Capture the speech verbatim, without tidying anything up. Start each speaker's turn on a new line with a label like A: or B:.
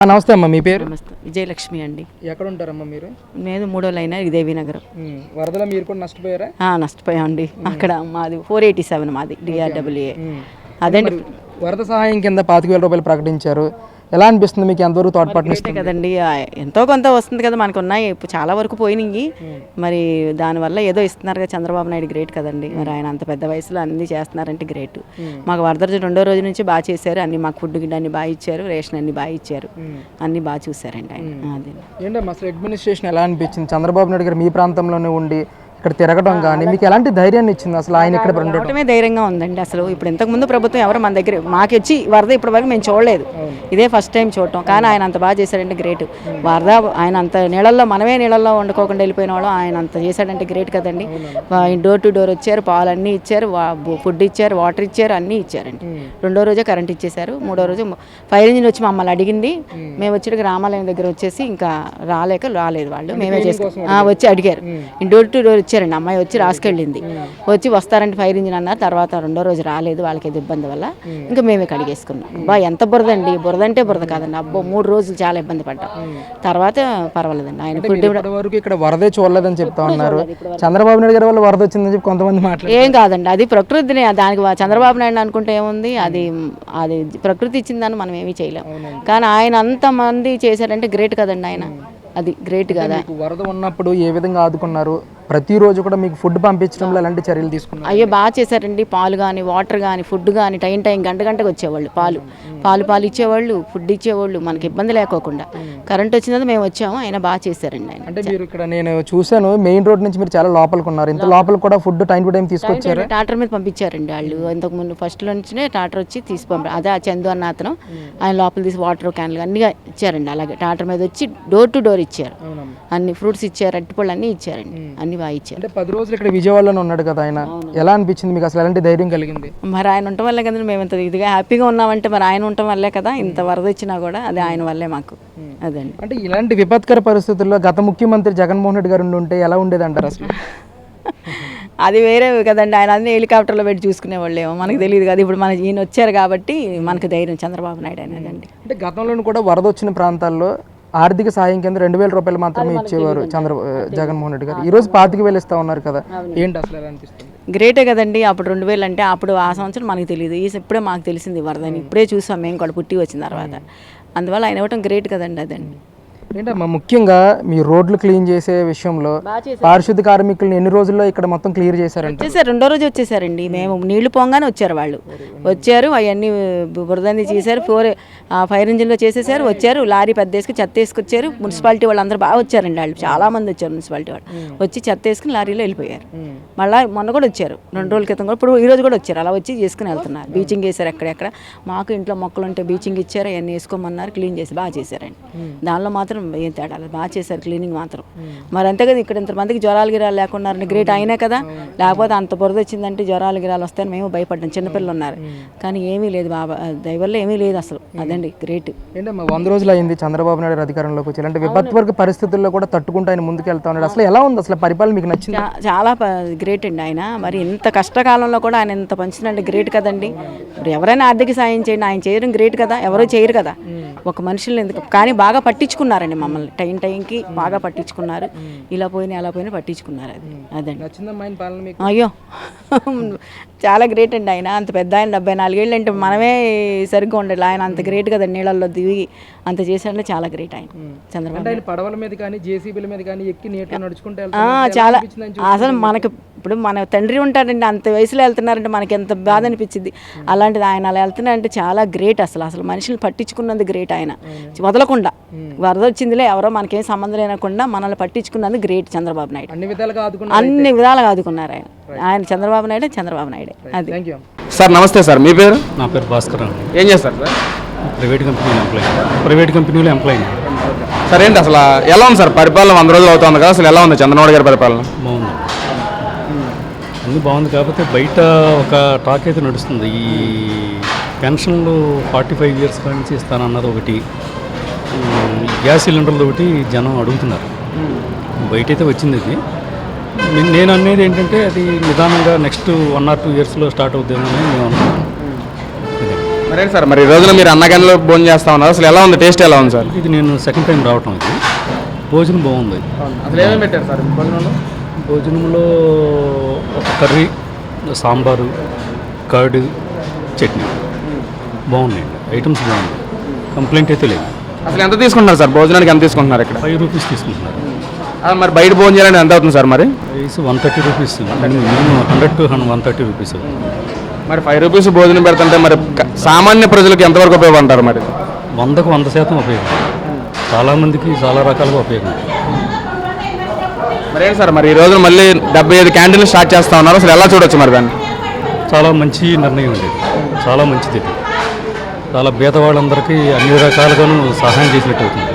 A: నమస్తే అమ్మ, మీ పేరు?
B: నమస్తే, విజయలక్ష్మి అండి.
A: ఎక్కడ ఉంటారమ్మా మీరు?
B: నేను మూడో లైన్ దేవి నగరం.
A: వరదలో మీరు కూడా నష్టపోయారా?
B: నష్టపోయామండి. అక్కడ మాది ఫోర్ ఎయిటీ సెవెన్ మాది డిఆర్డబ్ల్యూఏ. అదండి
A: వరద సహాయం కింద పాతిక వేల రూపాయలు ప్రకటించారు. ఎలా అనిపిస్తుంది మీకు? ఎంతవరకు తోడ్పాటు
B: కదండి, ఎంతో కొంత వస్తుంది కదా, మనకు ఉన్నాయి చాలా వరకు పోయినాయి. మరి దానివల్ల ఏదో ఇస్తున్నారు కదా, చంద్రబాబు నాయుడు గ్రేట్ కదండి. మరి ఆయన అంత పెద్ద వయసులో అన్ని చేస్తున్నారంటే గ్రేట్. మాకు వరద రెండో రోజు నుంచి బాగా చేశారు, అన్ని మాకు ఫుడ్ గిడ్డ అన్ని బాగా ఇచ్చారు, రేషన్ అన్ని బాగా ఇచ్చారు, అన్ని బాగా చూసారండి ఆయన. అదే
A: ఏంటమ్మా అసలు అడ్మినిస్ట్రేషన్ ఎలా అనిపించింది? చంద్రబాబు నాయుడు గారు మీ ప్రాంతంలోనే ఉండి ఇక్కడ తిరగడం కానీ మీకు ఎలాంటి ధైర్యాన్ని ఇచ్చింది? అసలు ఆయన ఇక్కడ ఉండటమే
B: ధైర్యంగా ఉందండి. అసలు ఇప్పుడు ఇంతకు ముందు ప్రభుత్వం ఎవరు మన దగ్గర మాకు వచ్చి వరద ఇప్పటి వరకు మేము చూడలేదు, ఇదే ఫస్ట్ టైం చూడటం. కానీ ఆయన అంత బాగా చేశాడంటే గ్రేట్. వరద ఆయన అంత నీళ్ళల్లో, మనమే నీళ్ళల్లో వండుకోకుండా వెళ్ళిపోయిన వాళ్ళు ఆయన అంత చేశాడంటే గ్రేట్ కదండి. డోర్ టు డోర్ వచ్చారు, పాలు అన్నీ ఇచ్చారు, ఫుడ్ ఇచ్చారు, వాటర్ ఇచ్చారు, అన్నీ ఇచ్చారండి. రెండో రోజే కరెంట్ ఇచ్చేశారు. మూడో రోజు ఫైర్ ఇంజిన్ వచ్చి మమ్మల్ని అడిగింది. మేము వచ్చి రామాలయం దగ్గర వచ్చేసి ఇంకా రాలేక రాలేదు వాళ్ళు, మేమే చేసుకున్నాం. వచ్చి అడిగారు, డోర్ టు డోర్ వచ్చారండి. అమ్మాయి వచ్చి రాసుకెళ్ళింది, వచ్చి వస్తారంటే ఫైర్ ఇంజిన్ అన్నారు. తర్వాత రెండో రోజు రాలేదు వాళ్ళకి ఏదో ఇబ్బంది వల్ల, ఇంకా మేమే కడిగేసుకున్నాం. బా ఎంత బురద అండి, బురద అంటే బురద కాదండి. అబ్బో మూడు రోజులు చాలా ఇబ్బంది పడ్డాం. తర్వాత పర్వాలేదండి. ఆయన ఫుడ్
A: వరకు ఇక్కడ వరదే చూడలేదని చెప్తా ఉన్నారు. చంద్రబాబు నాయుడు గారి వల్ల వరద వచ్చిందని చెప్పి కొంతమంది మాట్లాడారు.
B: ఏం కాదండి, అది ప్రకృతిని, దానికి చంద్రబాబు నాయుడు అనుకుంటే ఏముంది, అది అది ప్రకృతి ఇచ్చిందని మనం ఏమీ చేయలేం. కానీ ఆయన అంతమంది చేశారంటే గ్రేట్ కదండి. ఆయన అది గ్రేట్ కదా.
A: వరద ఉన్నప్పుడు ఏ విధంగా ఆదుకున్నారు? ప్రతిరోజు కూడా మీకు ఫుడ్ పంపించడంలో ఎలాంటి చర్యలు తీసుకున్నారు?
B: అయ్యో బాగా చేశారండి. పాలు కానీ, వాటర్ కానీ, ఫుడ్ కానీ టైం టైం గంట గంటకు వచ్చేవాళ్ళు. పాలు పాలు పాలు ఇచ్చేవాళ్ళు, ఫుడ్ ఇచ్చేవాళ్ళు, మనకి ఇబ్బంది లేకోకుండా. కరెంట్ వచ్చినది మేము వచ్చాము, ఆయన బాగా చేశారండి. ఆయన
A: అంటే మీరు ఇక్కడ నేను చూశాను, మెయిన్ రోడ్ నుంచి మీరు చాలా లోపలికి ఉన్నారు. ఇంత లోపల కూడా ఫుడ్ టైం టు టైం తీసుకొచ్చారు.
B: టాటర్ మీద పంపించారండి వాళ్ళు. ఇంతకు ముందు ఫస్ట్ లో నుంచినే టాటర్ వచ్చి తీసి పంపారు. అదే ఆ చందు అన్న అతను ఆయన లోపల తీసి వాటర్ క్యాన్లు అన్ని ఇచ్చారండి. అలాగే టాటర్ మీద వచ్చి డోర్ టు డోర్ ఇచ్చారు, అన్ని ఫ్రూట్స్ ఇచ్చారు, అరటిపళ్ళు అన్ని ఇచ్చారండి, అన్ని బాగా ఇచ్చారు.
A: అంటే పది రోజులు ఇక్కడ విజయవాడలో ఉన్నాడు కదా ఆయన, ఎలా అనిపించింది మీకు? అసలు ఎలాంటి ధైర్యం కలిగింది?
B: మరి ఆయన ఉండటం వల్లే కదా మేము ఇంత ఇదిగా హ్యాపీగా ఉన్నామంటే, మరి ఆయన ఉండటం వల్లే కదా ఇంత వరద వచ్చినా కూడా అది ఆయన వల్లే మాకు. అదండి.
A: అంటే ఇలాంటి విపత్కర పరిస్థితుల్లో గత ముఖ్యమంత్రి జగన్మోహన్ రెడ్డి గారు ఉంటే ఎలా ఉండేది అంటారు అసలు?
B: అది వేరే కదండి. ఆయన అన్ని హెలికాప్టర్లో పెట్టి చూసుకునేవాళ్ళేమో, మనకు తెలియదు కదా. ఇప్పుడు మన ఈయన వచ్చారు కాబట్టి మనకు ధైర్యం చంద్రబాబు నాయుడు అనేదండి.
A: అంటే గతంలో కూడా వరద వచ్చిన ప్రాంతాల్లో ఆర్థిక సాయం కింద రెండు వేల రూపాయలు మాత్రమే ఇచ్చేవారు చంద్ర జగన్మోహన్ రెడ్డి గారు. ఈ రోజు పాతిక వేలు ఇస్తా ఉన్నారు కదా, ఏంటి అసలు ఎలా అనిపిస్తుంది?
B: గ్రేటే కదండి. అప్పుడు రెండు వేలు అంటే అప్పుడు ఆ సంవత్సరం మనకు తెలియదు, ఈ ఇప్పుడే మాకు తెలిసింది వరదని. ఇప్పుడే చూసాం మేము కూడా పుట్టి వచ్చిన తర్వాత. అందువల్ల ఆయన ఇవ్వటం గ్రేట్ కదండి. అదండి.
A: ఏంటమ్మా ముఖ్యంగా మీ రోడ్లు క్లీన్ చేసే విషయంలో పారిశుద్ధ కార్మికులను ఎన్ని రోజుల్లో ఇక్కడ మొత్తం క్లియర్ చేశారంటే?
B: వచ్చేసారు, రెండో రోజు వచ్చేసారండి. మేము నీళ్లు పోగానే వచ్చారు వాళ్ళు. వచ్చారు, అవన్నీ బురదని చేశారు, ఫోర్ ఫైర్ ఇంజిన్లో చేసేసారు. వచ్చారు, లారీ పెద్ద వేసుకుని చెత్త వేసుకొచ్చారు. మున్సిపాలిటీ వాళ్ళు అందరూ బాగా వచ్చారండి. వాళ్ళు చాలా మంది వచ్చారు మున్సిపాలిటీ వాళ్ళు. వచ్చి చెత్త వేసుకుని లారీలో వెళ్ళిపోయారు. మళ్ళీ మొన్న కూడా వచ్చారు, రెండు రోజుల క్రితం కూడా, ఇప్పుడు ఈ రోజు కూడా వచ్చారు. అలా వచ్చి చేసుకుని వెళ్తున్నారు. బీచింగ్ వేశారు ఎక్కడెక్కడ. మాకు ఇంట్లో మొక్కలు ఉంటే బీచింగ్ ఇచ్చారు, అవన్నీ వేసుకోమన్నారు, క్లీన్ చేసి బాగా చేశారండి. దానిలో మాత్రం ఏం తేడా బాగా చేశారు క్లీనింగ్ మాత్రం. మరి అంతే కదా, ఇక్కడ ఇంతమందికి జ్వరాలు గిరాలు లేకున్నారని గ్రేట్ అయినా కదా. లేకపోతే అంత బురద వచ్చిందంటే జ్వరాలు గిరాలు వస్తాయని మేము భయపడ్డాం, చిన్నపిల్లలు ఉన్నారు. కానీ ఏమీ లేదు బాబా దయవల్ల, ఏమీ లేదు అసలు. అదండి గ్రేట్.
A: ఏంటమ్మా వంద రోజులు అయింది చంద్రబాబు నాయుడు అధికారంలోకి వచ్చి, ఇలాంటి విపత్వర్గ పరిస్థితుల్లో కూడా తట్టుకుంటూ ఆయన ముందుకు వెళ్తా ఉన్నాడు. అసలు ఎలా ఉంది అసలు పరిపాలన, మీకు నచ్చింది?
B: చాలా గ్రేట్ అండి ఆయన. మరి ఇంత కష్టకాలంలో కూడా ఆయన ఇంత పంచినంటే గ్రేట్ కదండి. ఇప్పుడు ఎవరైనా ఆర్థిక సాయం చేయండి, ఆయన చేయడం గ్రేట్ కదా. ఎవరో చేయరు కదా ఒక మనుషులు ఎందుకు. కానీ బాగా పట్టించుకున్నారండి మమ్మల్ని, టైం టైంకి బాగా పట్టించుకున్నారు. ఇలా పోయినా అలా పోయినా పట్టించుకున్నారు. అది అదండి. అయ్యో చాలా గ్రేట్ అండి ఆయన. అంత పెద్ద ఆయన, డెబ్బై నాలుగేళ్ళు అంటే మనమే సరిగ్గా ఉండాలి. ఆయన అంత గ్రేట్ కదా, నీళ్ళల్లో దిగి అంత చేశాడంటే చాలా గ్రేట్ ఆయన చంద్రబాబు.
A: పడవల మీద కానీ జేసీబీల మీద కానీ ఎక్కి నీటిలో నడుచుకుంటే
B: చాలా అసలు మనకి ఇప్పుడు మన తండ్రి ఉంటాడండి, అంత వయసులో వెళ్తున్నారంటే మనకి ఎంత బాధ అనిపించింది. అలాంటిది ఆయన అలా వెళ్తున్నారంటే చాలా గ్రేట్. అసలు అసలు మనుషులు పట్టించుకున్నది గ్రేట్. ఆయన వదలకుండా వరద వచ్చిందిలే ఎవరో మనకేం సంబంధం లేకుండా మనల్ని పట్టించుకున్నది గ్రేట్ చంద్రబాబు నాయుడు.
A: అన్ని విధాలుగా
B: అన్ని విధాలుగా ఆదుకున్నారు ఆయన. ఆయన చంద్రబాబు నాయుడు చంద్రబాబు నాయుడే. అది.
C: సార్ నమస్తే సార్, మీ పేరు?
D: నా పేరు భాస్కర్ అండి.
C: ఏం చేస్తారు సార్?
D: ప్రైవేట్ కంపెనీలో ఎంప్లాయీ ప్రైవేట్ కంపెనీలో ఎంప్లాయీ
C: సార్. ఏంటి అసలు ఎలా ఉంది సార్ పరిపాలన? వంద రోజులు అవుతుంది కదా, అసలు ఎలా ఉంది చంద్రబాబు గారి పరిపాలన?
D: బాగుంది, అన్నీ బాగుంది. కాకపోతే బయట ఒక టాక్ అయితే నడుస్తుంది, ఈ పెన్షన్లు ఫార్టీ ఫైవ్ ఇయర్స్ నుంచి ఇస్తానన్నది ఒకటి, గ్యాస్ సిలిండర్లు ఒకటి జనం అడుగుతున్నారు. బయట అయితే వచ్చింది అది. నేను అనేది ఏంటంటే అది నిదానంగా నెక్స్ట్ వన్ ఆర్ టూ ఇయర్స్లో స్టార్ట్ అవుతుందేమో అని మేము అనుకుంటున్నాం.
C: మరే సార్ మరి ఈ రోజున మీరు అన్నగంటలో భోజనం చేస్తా ఉన్నారు, అసలు ఎలా ఉంది, టేస్ట్ ఎలా ఉంది సార్?
D: ఇది నేను సెకండ్ టైం రావటం ఇది. భోజనం బాగుంది.
C: అసలు ఏమేమి పెట్టారు సార్ భోజనంలో?
D: భోజనంలో ఒక కర్రీ, సాంబారు, కర్డ్, చట్నీ బాగున్నాయండి. ఐటమ్స్ బాగుంది, కంప్లైంట్ అయితే లేదు.
C: అసలు ఎంత తీసుకుంటున్నారు సార్ భోజనానికి, ఎంత తీసుకుంటున్నారు ఇక్కడ?
D: ఫైవ్ రూపీస్ తీసుకుంటున్నారు.
C: ఆ, మరి బయట భోజనం చేయాలంటే ఎంత అవుతుంది సార్ మరి?
D: Price one thirty rupees, minimum hundred to one thirty rupees.
C: మరి ఫైవ్ రూపీస్ భోజనం పెడుతుంటే మరి క- సామాన్య ప్రజలకు ఎంతవరకు ఉపయోగపడతారు మరి?
D: వందకు వంద శాతం ఉపయోగం, చాలామందికి చాలా రకాలుగా ఉపయోగం.
C: మరి ఏంటి సార్ మరి ఈ రోజున మళ్ళీ డెబ్బై ఐదు క్యాంటీన్లు స్టార్ట్ చేస్తా ఉన్నారు, అసలు ఎలా చూడొచ్చు మరి దాన్ని?
D: చాలా మంచి నిర్ణయం అండి, చాలా మంచిది. చాలా పేదవాళ్ళందరికీ అన్ని రకాలుగాను సహాయం చేసినట్టు అవుతుంది.